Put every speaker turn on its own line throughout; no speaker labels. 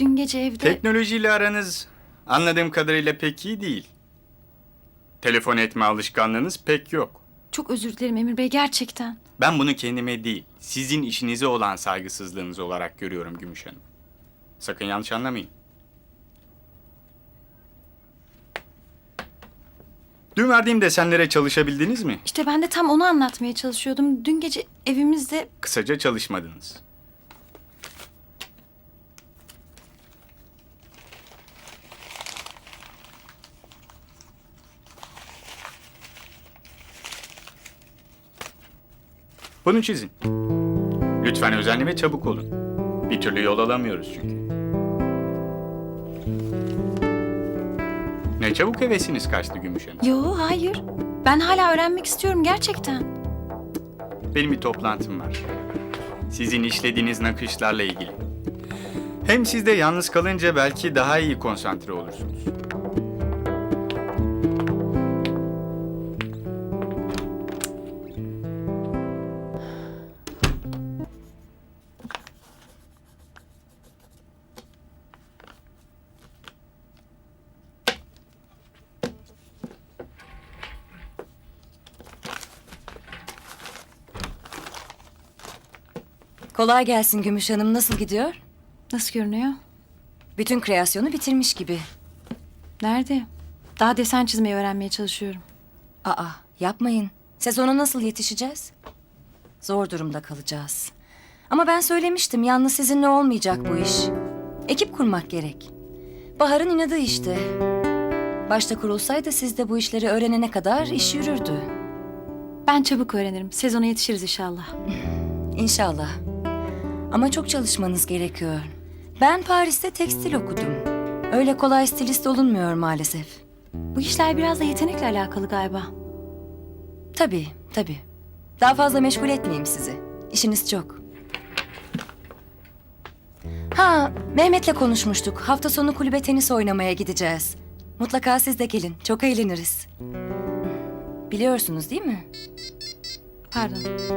dün gece evde...
Teknolojiyle aranız anladığım kadarıyla pek iyi değil. Telefon etme alışkanlığınız pek yok.
Çok özür dilerim Emir Bey, gerçekten.
Ben bunu kendime değil, sizin işinize olan saygısızlığınız olarak görüyorum Gümüş Hanım. Sakın yanlış anlamayın. Dün verdiğim desenlere çalışabildiniz mi?
İşte ben de tam onu anlatmaya çalışıyordum. Dün gece evimizde...
Kısaca çalışmadınız. Bunu çizin. Lütfen özenli ve çabuk olun. Bir türlü yol alamıyoruz çünkü. Ne çabuk hevesiniz kaçtı Gümüş Hanım.
Yo, hayır. Ben hala öğrenmek istiyorum gerçekten.
Benim bir toplantım var. Sizin işlediğiniz nakışlarla ilgili. Hem siz de yalnız kalınca belki daha iyi konsantre olursunuz.
Kolay gelsin Gümüş Hanım. Nasıl gidiyor?
Nasıl görünüyor?
Bütün kreasyonu bitirmiş gibi.
Nerede? Daha desen çizmeyi öğrenmeye çalışıyorum.
Aa, yapmayın. Sezona nasıl yetişeceğiz? Zor durumda kalacağız. Ama ben söylemiştim, yalnız sizinle olmayacak bu iş. Ekip kurmak gerek. Bahar'ın inadı işte. Başta kurulsaydı siz de bu işleri öğrenene kadar iş yürürdü.
Ben çabuk öğrenirim. Sezona yetişiriz inşallah.
İnşallah. Ama çok çalışmanız gerekiyor. Ben Paris'te tekstil okudum. Öyle kolay stilist olunmuyor maalesef.
Bu işler biraz da yetenekle alakalı galiba.
Tabii, tabii. Daha fazla meşgul etmeyeyim sizi. İşiniz çok. Ha, Mehmet'le konuşmuştuk. Hafta sonu kulübe tenis oynamaya gideceğiz. Mutlaka siz de gelin. Çok eğleniriz. Biliyorsunuz değil mi?
Pardon.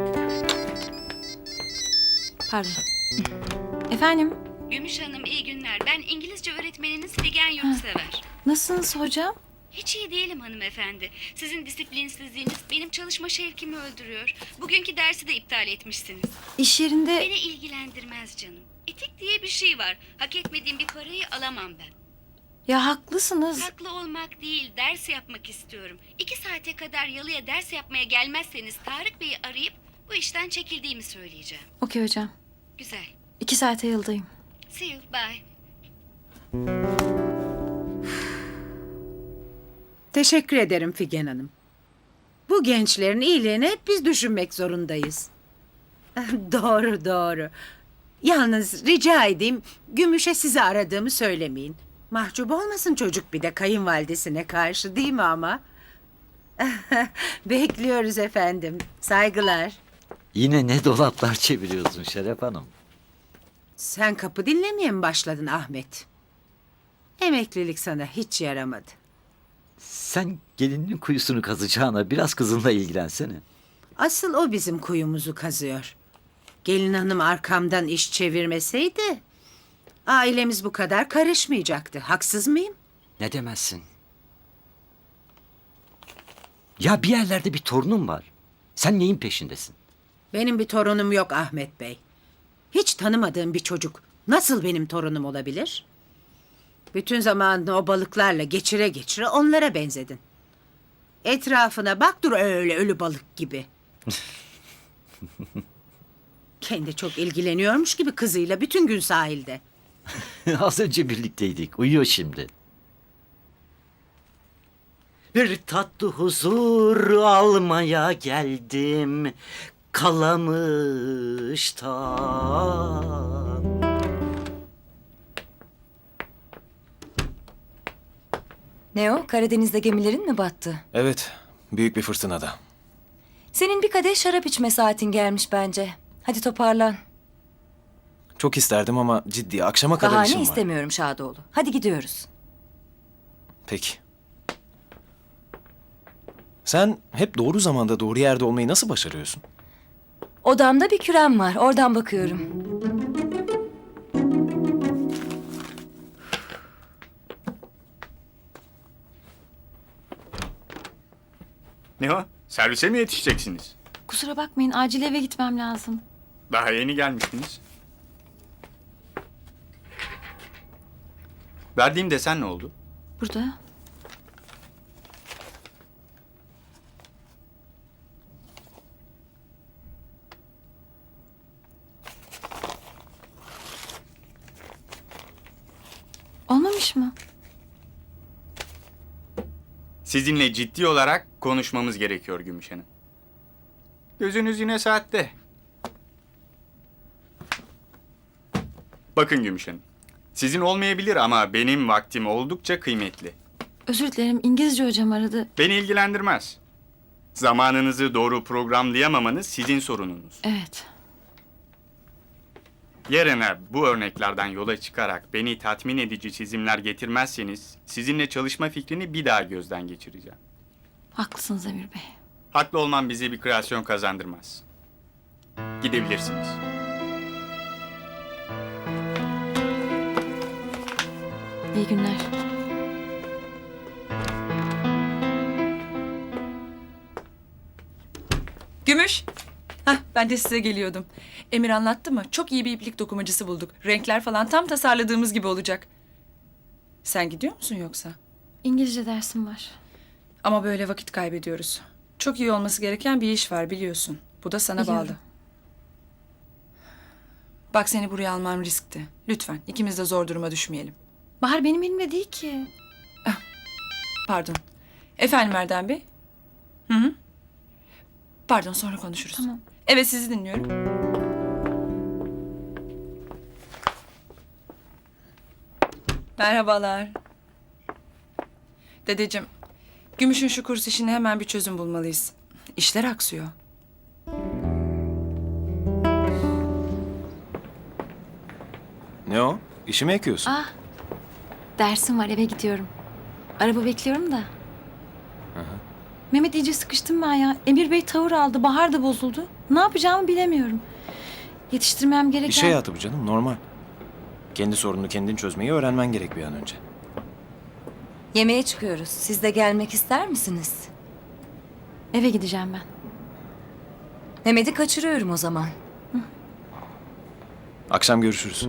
Pardon. Efendim?
Gümüş Hanım iyi günler. Ben İngilizce öğretmeniniz Figen Yurtsever.
Nasılsınız hocam?
Hiç iyi değilim hanımefendi. Sizin disiplinsizliğiniz benim çalışma şevkimi öldürüyor. Bugünkü dersi de iptal etmişsiniz.
İş yerinde...
Beni ilgilendirmez canım. Etik diye bir şey var. Hak etmediğim bir parayı alamam ben.
Ya haklısınız.
Haklı olmak değil, ders yapmak istiyorum. 2 saate kadar yalıya ders yapmaya gelmezseniz Tarık Bey'i arayıp bu işten çekildiğimi söyleyeceğim.
Okey hocam.
Güzel.
2 saate yıldayım.
See you, bye.
Teşekkür ederim Figen Hanım. Bu gençlerin iyiliğini hep biz düşünmek zorundayız. Doğru, doğru. Yalnız rica edeyim Gümüş'e sizi aradığımı söylemeyin. Mahcup olmasın çocuk bir de kayınvalidesine karşı, değil mi ama? Bekliyoruz efendim. Saygılar.
Yine ne dolaplar çeviriyorsun Şeref Hanım?
Sen kapı dinlemeye mi başladın Ahmet? Emeklilik sana hiç yaramadı.
Sen gelinin kuyusunu kazacağına biraz kızınla ilgilensene.
Asıl o bizim kuyumuzu kazıyor. Gelin hanım arkamdan iş çevirmeseydi... ailemiz bu kadar karışmayacaktı. Haksız mıyım?
Ne demezsin? Ya bir yerlerde bir torunum var. Sen neyin peşindesin?
Benim bir torunum yok Ahmet Bey. Hiç tanımadığım bir çocuk nasıl benim torunum olabilir? Bütün zamanını o balıklarla geçire geçire onlara benzedin. Etrafına bak, dur öyle ölü balık gibi. Kendi çok ilgileniyormuş gibi kızıyla bütün gün sahilde.
Az önce birlikteydik. Uyuyor şimdi. Bir tatlı huzur almaya geldim. Kalamış'tan.
Ne o? Karadeniz'de gemilerin mi battı?
Evet, büyük bir fırtınada.
Senin bir kadeh şarap içme saatin gelmiş bence. Hadi toparlan.
Çok isterdim ama ciddi akşama kadar
Bahane
işim var.
istemiyorum Şadoğlu. Hadi gidiyoruz.
Peki. Sen hep doğru zamanda doğru yerde olmayı nasıl başarıyorsun?
Odamda bir kürem var. Oradan bakıyorum.
Ne o? Servise mi yetişeceksiniz?
Kusura bakmayın, acil eve gitmem lazım.
Daha yeni gelmiştiniz. Verdiğim desen ne oldu?
Burada. Olmamış mı?
Sizinle ciddi olarak konuşmamız gerekiyor Gümüş Hanım. Gözünüz yine saatte. Bakın Gümüş Hanım. Sizin olmayabilir ama benim vaktim oldukça kıymetli.
Özür dilerim, İngilizce hocam aradı.
Beni ilgilendirmez. Zamanınızı doğru programlayamamanız sizin sorununuz.
Evet.
Yarına bu örneklerden yola çıkarak beni tatmin edici çizimler getirmezseniz sizinle çalışma fikrini bir daha gözden geçireceğim.
Haklısınız Emir Bey.
Haklı olmam bize bir kreasyon kazandırmaz. Gidebilirsiniz.
İyi günler.
Gümüş. Hah, ben de size geliyordum. Emir anlattı mı? Çok iyi bir iplik dokumacısı bulduk. Renkler falan tam tasarladığımız gibi olacak. Sen gidiyor musun yoksa?
İngilizce dersim var.
Ama böyle vakit kaybediyoruz. Çok iyi olması gereken bir iş var biliyorsun. Bu da sana
Biliyorum.
bağlı. Bak seni buraya almam riskti. Lütfen ikimiz de zor duruma düşmeyelim.
Bahar benim elimde değil ki.
Pardon. Efendim Erdem Bey? Hı hı. Pardon sonra konuşuruz.
Tamam.
Evet sizi dinliyorum. Merhabalar. Dedeciğim, Gümüş'ün şu kurs işine hemen bir çözüm bulmalıyız. İşler aksıyor.
Ne o? İşi mi ekiyorsun?
Ah, dersim var, eve gidiyorum. Araba bekliyorum da. Mehmet iyice sıkıştım ben ya. Emir Bey tavır aldı, Bahar da bozuldu. Ne yapacağımı bilemiyorum. Yetiştirmem gereken...
İş hayatı bu canım, normal. Kendi sorununu kendin çözmeyi öğrenmen gerek bir an önce.
Yemeğe çıkıyoruz. Siz de gelmek ister misiniz?
Eve gideceğim ben.
Mehmet'i kaçırıyorum o zaman.
Akşam görüşürüz.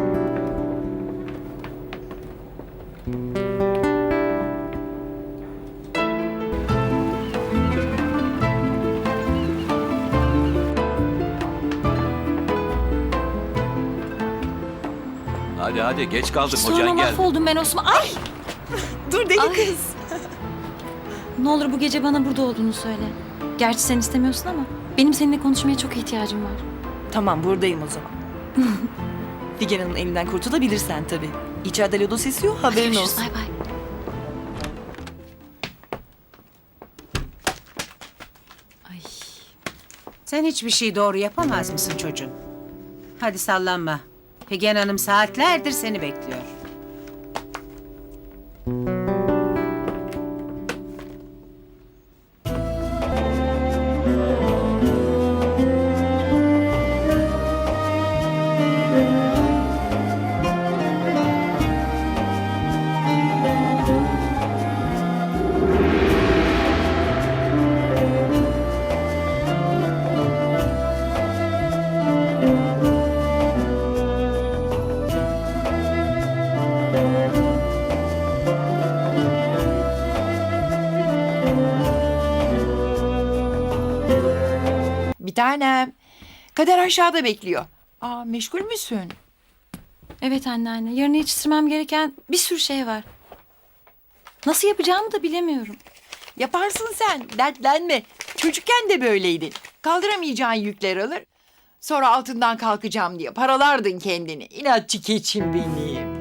Hadi geç kaldık
Sonra
hocan geldi.
mahvoldum ben Osman. Ay!
Dur deli
Ay.
kız.
Ne olur bu gece bana burada olduğunu söyle. Gerçi sen istemiyorsun ama benim seninle konuşmaya çok ihtiyacım var.
Tamam buradayım o zaman. Figen Hanım'ın elinden kurtulabilirsen tabii. İçeride lodos esiyor haberin
Görüşürüz,
olsun.
bay bay. Ay.
Sen hiçbir şey doğru yapamaz mısın çocuğum? Hadi sallanma. Figen Hanım saatlerdir seni bekliyor.
Bir tanem. Kader aşağıda bekliyor. Aa meşgul müsün?
Evet anneanne, yarın yetiştirmem gereken bir sürü şey var. Nasıl yapacağımı da bilemiyorum.
Yaparsın sen. Dertlenme. Çocukken de böyleydin. Kaldıramayacağın yükler alır. Sonra altından kalkacağım diye paralardın kendini. İnatçı keçim benim.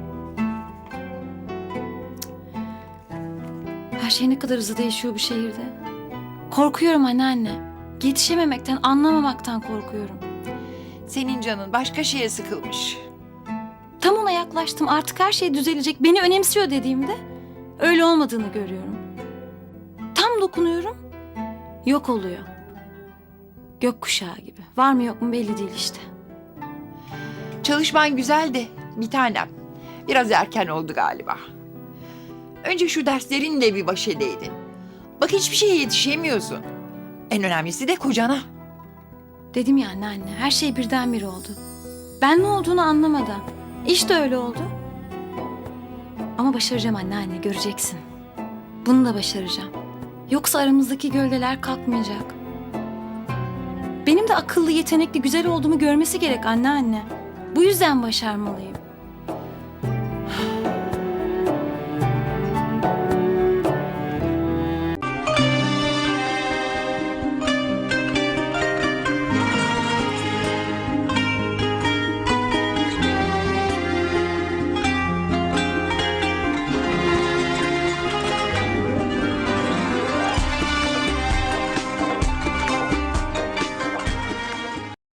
Her şey ne kadar hızlı değişiyor bu şehirde. Korkuyorum anneanne. Yetişememekten, anlamamaktan korkuyorum.
Senin canın başka şeye sıkılmış.
Tam ona yaklaştım. Artık her şey düzelecek. Beni önemsiyor dediğimde öyle olmadığını görüyorum. Tam dokunuyorum. Yok oluyor. Gökkuşağı gibi. Var mı yok mu belli değil işte.
Çalışman güzeldi bir tanem. Biraz erken oldu galiba. Önce şu derslerinle bir baş edeydin. Bak hiçbir şeye yetişemiyorsun. En önemlisi de kocana.
Dedim ya anneanne, her şey birdenbire oldu. Ben ne olduğunu anlamadan. İş de öyle oldu. Ama başaracağım anneanne, göreceksin. Bunu da başaracağım. Yoksa aramızdaki gölgeler kalkmayacak. Benim de akıllı, yetenekli, güzel olduğumu görmesi gerek anneanne. Bu yüzden başarmalıyım.